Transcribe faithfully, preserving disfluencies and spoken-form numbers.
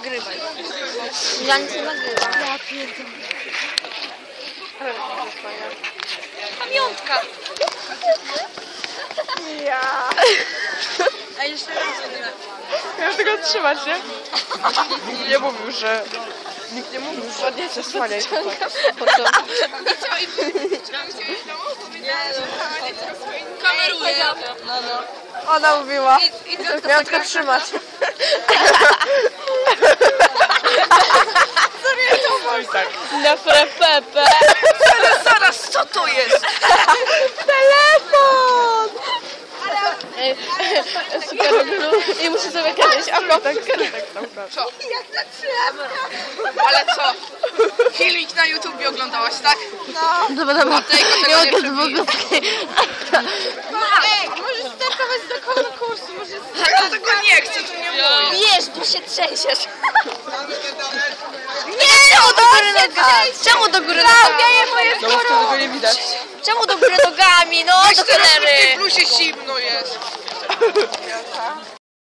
nagrywaj. Ja nic nie nagrywam. Ja pierdolę. Pamiątka. Ja. A jeszcze raz. Miałem tego trzymać, nie? Nikt nie mówił, że... Nikt nie mówił, że odniesie słaniaj. Po co? Kameruję. No, no. Ona mówiła. Miałam tylko trzymać. Tak. Na prepepe. Zaraz, zaraz, co to jest? Telefon! Ej, super, i muszę sobie kiedyś okotek, kiedyś tam Co? Jak na trzeba. Ale co? Filmik na YouTubie oglądałaś, tak? No. Dobra, dobra. Tego nie przebije. Ej, możesz startować do konkursu, może... Ja tego nie chcę, to nie mówię. Wiesz, bo się trzęsiesz. Nie, czemu do góry nogami? Czemu do góry nogami? No bo wtedy go nie widać. Czemu do góry nogami? No, do Teraz w cholery. plusie zimno jest.